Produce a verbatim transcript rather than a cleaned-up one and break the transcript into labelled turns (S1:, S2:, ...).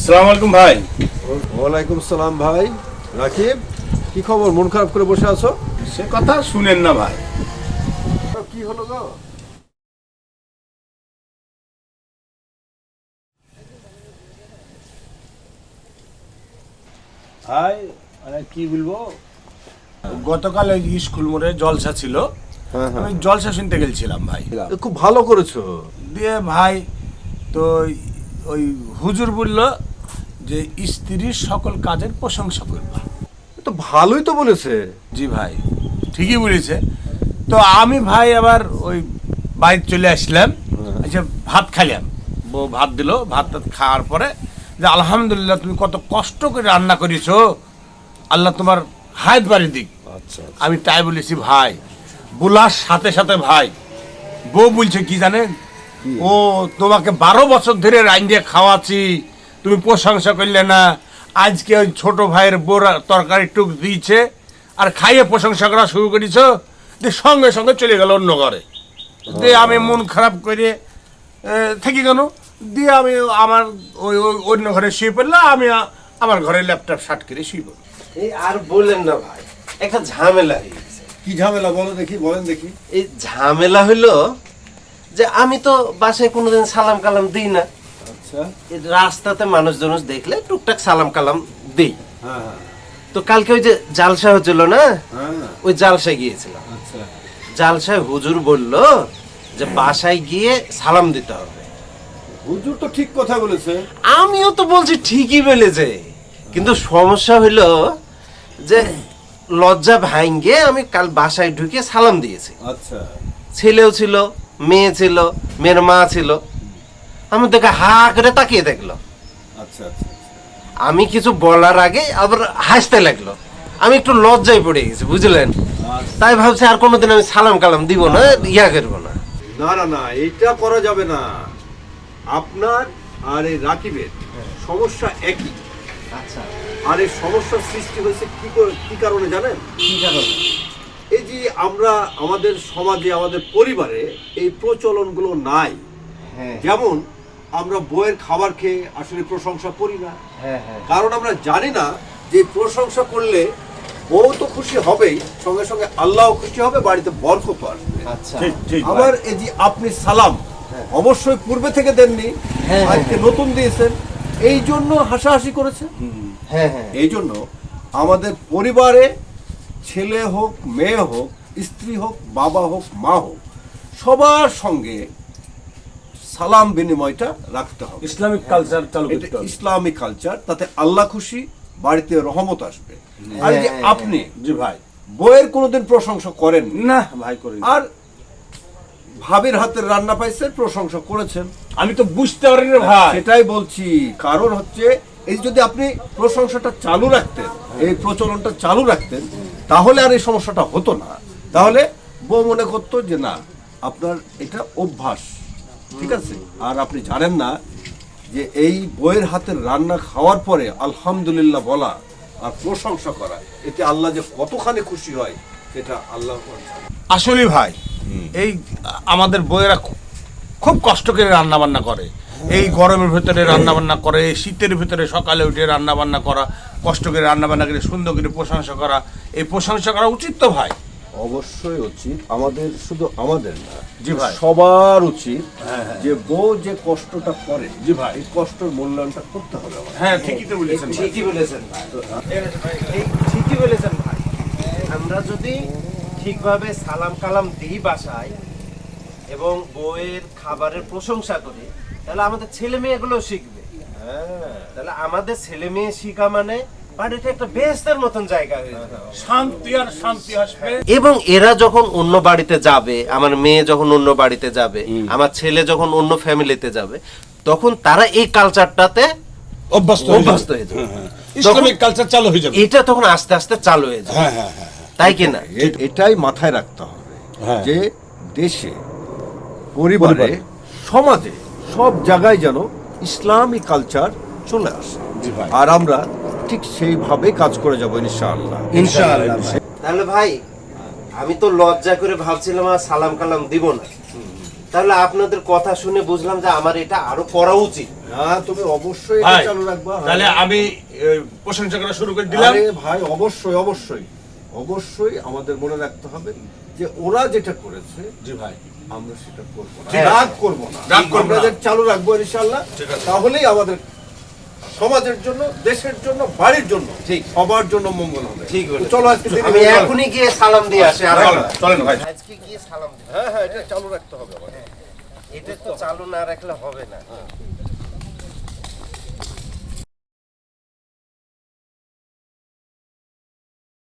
S1: আসসালামু আলাইকুম ভাই।
S2: ওয়ালাইকুম সালাম ভাই। রাকিব, কি খবর? মন খারাপ করে বসে আছো?
S1: সে কথা শুনেন না ভাই।
S2: কি হলো গো?
S1: ভাই মানে কি বলবো, গতকাল ওই স্কুল মোড়ে জলসা ছিল,
S2: হ্যাঁ হ্যাঁ,
S1: আমি জলসা শুনতে গেছিলাম ভাই।
S2: খুব ভালো করেছো।
S1: দিয়ে ভাই তো ওই হুজুর বলল যে স্ত্রীর সকল কাজের প্রশংসা করবা।
S2: তো ভালোই তো বলেছে।
S1: জি ভাই, ঠিকই বলেছে। তো আমি ভাই আবার ওই বাইরে চলে আসলাম, আচ্ছা ভাত খাইলাম, বউ ভাত দিল, ভাত টাত খাওয়ার পরে যে আলহামদুলিল্লাহ তুমি কত কষ্ট করে রান্না করেছো, আল্লাহ তোমার হায়াত বাড়ি দিক।
S2: আচ্ছা,
S1: আমি তাই বলেছি ভাই। বলার সাথে সাথে ভাই বউ বলছে কি জানেন, ও তোমাকে বারো বছর ধরে রান্না খাওয়াচ্ছি, তুমি প্রশংসা করলে না, আজকে ওই ছোট ভাইয়ের বোরা তরকারি টুক দিয়েছে আর খাইয়ে প্রশংসা করা শুরু করেছ, দিয়ে সঙ্গে সঙ্গে চলে গেল অন্য ঘরে। দিয়ে আমি মন খারাপ করে থেকে গেল, দিয়ে আমি আমার ওই ওই অন্য ঘরে শুয়ে পড়লাম, আমি আ- আমার ঘরে ল্যাপটপ শার্ট করে শুয়ে পড়লাম।
S3: এই আর বললেন না ভাই, একটা ঝামেলা হয়ে গেছে।
S2: কি ঝামেলা বলো দেখি, বলেন দেখি।
S3: এই ঝামেলা হইলো যে আমি তো বাসায় কোনোদিন সালাম কালাম দিই না।
S2: আচ্ছা,
S3: এই রাস্তাতে মানুষজন দেখলে টুকটাক সালাম কালাম দিই।
S2: হ্যাঁ
S3: তো কালকে ওই যে জালসা হচ্ছিল না,
S2: হ্যাঁ,
S3: ওই জালসায় গিয়েছিলাম।
S2: আচ্ছা।
S3: জালসায় হুজুর বলল যে বাসায় গিয়ে সালাম দিতে হবে।
S2: হুজুর তো ঠিক কথা বলেছে।
S3: আমিও তো বলছি ঠিকই বলেছে, কিন্তু সমস্যা হইলো যে লজ্জা ভাঙ্গে আমি কাল বাসায় ঢুকে সালাম দিয়েছি।
S2: আচ্ছা,
S3: ছেলেও ছিল, মেয়ে ছিল, মেয়ের মা ছিল। আমি তোকে হা করে তাকিয়ে দেখলো।
S2: আচ্ছা আচ্ছা,
S3: আমি কিছু বলার আগে আবার হাসতে লাগলো। আমি একটু লজ্জায় পড়ে গেছি, বুঝলেন? তাই ভাবছি আর কোনোদিন আমি সালাম কালাম দিব না, ইয়া করবো না।
S2: না না না, এইটা করা যাবে না। আপনার আর এই রাকিবের সমস্যা একই।
S3: আচ্ছা,
S2: আর এই সমস্যার সৃষ্টি হয়েছে কি করে- কি কারণে জানেন?
S3: কি কারণ?
S2: এই যে আমরা আমাদের সমাজে, আমাদের পরিবারে এই প্রচলনগুলো নাই।
S3: হ্যাঁ
S2: যেমন আমরা বইয়ের খাবার খেয়ে আসলে প্রশংসা করি না,
S3: হ্যাঁ হ্যাঁ,
S2: কারণ আমরা জানি না যে প্রশংসা করলে বউ তো খুশি হবেই, সঙ্গে সঙ্গে আল্লাহও খুশি হবে, বাড়িতে বরকত আসবে।
S3: আচ্ছা,
S1: ঠিক ঠিক ভাই।
S2: আবার এই যে আপনি সালাম অবশ্যই পূর্বে থেকে দেননি,
S3: হ্যাঁ,
S2: আজকে নতুন দিয়েছেন, এই জন্য হাসাহাসি করেছে।
S3: হ্যাঁ হ্যাঁ,
S2: এই জন্য আমাদের পরিবারে ছেলে হোক, মেয়ে হোক, স্ত্রী হোক, বাবা হোক, মা হোক, সবার সঙ্গে সালাম বিনিময়টা রাখতে হবে।
S1: ইসলামিক কালচার চালু
S2: এটা
S1: করতে হবে।
S2: ইসলামিক কালচার, তাতে আল্লাহ খুশি, বাড়িতে রহমত আসবে। আর এই যে
S3: হ্যাঁ।
S2: আপনি
S1: জি ভাই।
S2: বইয়ের কোনোদিন প্রশংসা করেন
S1: না ভাই করি না।
S2: আর ভাবির হাতের রান্না পাইছেন, প্রশংসা করেছেন,
S1: আমি তো বুঝতে পারি না ভাই।
S2: সেটাই বলছি। কারণ হচ্ছে এই যদি আপনি প্রশংসাটা চালু রাখতেন, এই প্রচলনটা চালু রাখতেন, তাহলে আর এই সমস্যাটা হতো না। তাহলে বউ মনে করতো যে না, আপনার এটা অভ্যাস, ঠিক আছে। আর আপনি জানেন না যে এই বইয়ের হাতের রান্না খাওয়ার পরে আলহামদুলিল্লাহ বলা আর প্রশংসা করা, এতে আল্লাহ যে কতখানি খুশি হয় সেটা আল্লাহ জানে।
S1: আসলে ভাই এই আমাদের বইয়েরা খু- খুব কষ্ট করে রান্না বান্না করে, এই গরমের ভিতরে রান্না বান্না করে, এই শীতের ভিতরে সকালে উঠে রান্না বান্না করা, কষ্ট করে রান্না বান্না করে সুন্দর করে প্রশংসা করা, এই প্রশংসা করা উচিত তো ভাই।
S2: অবশ্যই উচিত, আমাদের শুধু আমাদের না,
S1: জি ভাই।
S2: সবার উচিত যে বউ যে কষ্টটা করে,
S1: জি ভাই।
S2: এই কষ্টের মূল্যায়নটা করতে হবে আমাদের।
S1: হ্যাঁ ঠিকই তো বলেছেন ভাই।
S3: ঠিকই বলেছেন ভাই, এই ঠিকই বলেছেন ভাই। আমরা যদি ঠিকভাবে সালাম কালাম দিই বাসায় এবং বউয়ের খাবারের প্রশংসা করি, তাহলে আমাদের ছেলে মেয়েগুলো শিখবে। তাহলে আমাদের ছেলে মেয়ে শিখা মানে বাড়িতে একটা বেহেশতের মতন জায়গা হয়ে যাবে।
S1: শান্তি আর শান্তি আসবে।
S3: এবং এরা যখন অন্য বাড়িতে যাবে, আমার মেয়ে যখন অন্য বাড়িতে যাবে, আমার ছেলে যখন অন্য ফ্যামিলিতে যাবে, তখন তারা এই কালচারটাতে
S1: অভ্যস্ত
S3: অভ্যস্ত হয়ে যাবে।
S1: ইসলামিক কালচার চালু হয়ে যাবে।
S3: এটা তখন আস্তে আস্তে চালু হয়ে যাবে,
S1: হ্যাঁ হ্যাঁ হ্যাঁ।
S3: তাই কি না?
S2: এ- এটাই মাথায় রাখতে হবে
S1: হ্যাঁ।
S2: যে দেশে, পরিবারে, সমাজে, সব জায়গায় যেন ইসলামী কালচার চলে আসে।
S1: জি ভাই।
S2: আর আমরা ঠিক সেইভাবে কাজ করে যাবো ইনশাআল্লাহ।
S3: ইনশাআল্লাহ ভাই। তাহলে ভাই আমি তো লজ্জা করে ভাবছিলাম আর সালাম কালাম দিব না, তাহলে আপনাদের কথা শুনে বুঝলাম যে আমার এটা আরো করা উচিত।
S2: না তুমি অবশ্যই এটা
S1: ভাই
S2: চালু রাখবা। হ্যাঁ।
S1: তাহলে আমি এ, প্রশংসা করা শুরু করে দিলাম।
S2: আরে ভাই অবশ্যই অবশ্যই অবশ্যই আমাদের মনে রাখতে হবে যে ওরা যেটা করেছে
S1: জি ভাই,
S2: আমরা সেটা করবো না,
S1: ঠিক আছে।
S2: রাগ করবো না,
S1: রাগ করবো
S2: আমরা
S1: না।
S2: যেটা চালু রাখবো ইনশাআল্লাহ।
S1: ঠিক আছে।
S2: তাহলেই আমাদের সমাজের জন্য, দেশের জন্য, বাড়ির জন্য,
S3: ঠিক।
S2: সবার জন্য মঙ্গল হবে।
S3: ঠিক
S2: তো
S3: বলেছেন।
S2: চলো আজকে দিনে
S3: আমি
S2: চলো।
S3: এখনই গিয়ে সালাম দিয়ে আসি। আর
S1: চলেন, চলেন ভাই।
S3: আজকে গিয়ে সালাম দিই।
S2: হ্যাঁ হ্যাঁ এটা চালু রাখতে হবে আমাদের।
S3: এটা তো চালু না রাখলে হবে না।